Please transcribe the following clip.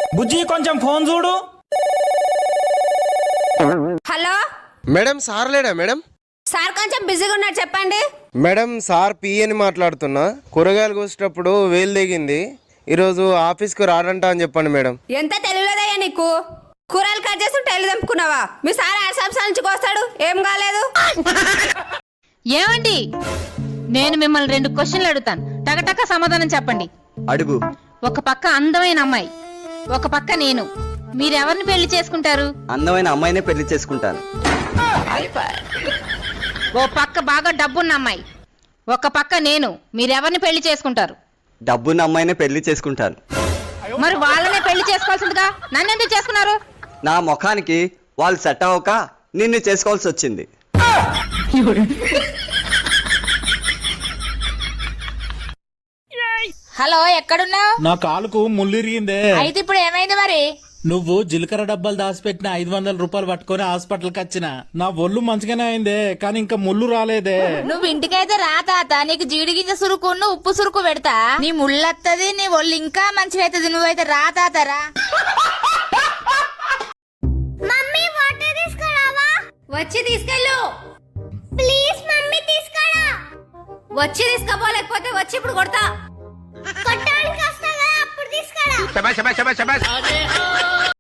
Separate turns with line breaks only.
బుజ్జి కొంచెం ఫోన్ చూడు.
Hello
madam sir లేడా మేడం?
సార్ కొంచెం బిజీగా ఉన్నారు, చెప్పండి.
మేడం సార్ పిఎని మాట్లాడుతున్నా. కూరగాయలు కోసేటప్పుడు వేలు దిగింది, ఈరోజు ఆఫీస్కి రాడంట అని చెప్పండి మేడం.
ఎంత తెలియలేదయ్యా నీకు? కూరలు కట్ చేసి టైలు తెంపుకున్నావా? మీ సార్ 6 సంవత్సరాల నుంచి కోస్తాడు, ఏం కాలేదు.
ఏమండి, నేను మిమ్మల్ని 2 క్వశ్చన్లు అడుగుతాను, టకటక సమాధానం చెప్పండి.
అడుగు.
ఒక పక్క అందమైన అమ్మాయి, ఒక పక్క నేను, మీరెవరిని పెళ్లి చేసుకుంటారు?
అందమైన అమ్మాయినే పెళ్లి చేసుకుంటాను.
ఓ పక్క బాగా డబ్బున్న అమ్మాయి, ఒక పక్క నేను, మీరెవరిని పెళ్లి చేసుకుంటారు?
డబ్బున్న అమ్మాయినే పెళ్లి చేసుకుంటాను.
మరి వాళ్ళనే పెళ్లి చేసుకోవాల్సిందిగా నన్ను ఎందుకు చేసుకున్నారు?
నా ముఖానికి వాళ్ళు సెట్ అవ్వక నిన్ను చేసుకోవాల్సి వచ్చింది.
హలో, ఎక్కడున్నావు?
నా కాలుకు ముళ్ళిరిగిందే.
అయితే ఇప్పుడు ఏమైంది మరి?
నువ్వు జీలకర్ర డబ్బాలు దాచిపెట్టిన 500 రూపాయలు పట్టుకొని హాస్పిటల్కి వచ్చిన. నా ఒళ్ళు మంచిగానే అయిందే, కానీ ఇంకా ముళ్ళు రాలేదే.
నువ్వు ఇంటికైతే రా తాత, నీకు జీడి గింజ సురుకును ఉప్పు సురుకు పెడతా. నీ ముళ్ళత్తది, నీ ఒళ్ళు ఇంకా మంచిగా అవుతుంది. నువ్వైతే రా తాత, రా.
మమ్మీ వాటర్ తీసుకురావా? వచ్చి తీసుకెళ్ళు ప్లీజ్. మమ్మీ తీసుకురా. వచ్చి తీసుకోపోలేకపోతే వచ్చి ఇప్పుడు కొడతా. కొట్టడానికి వస్తా కదా, అప్పుడు తీసుకురా.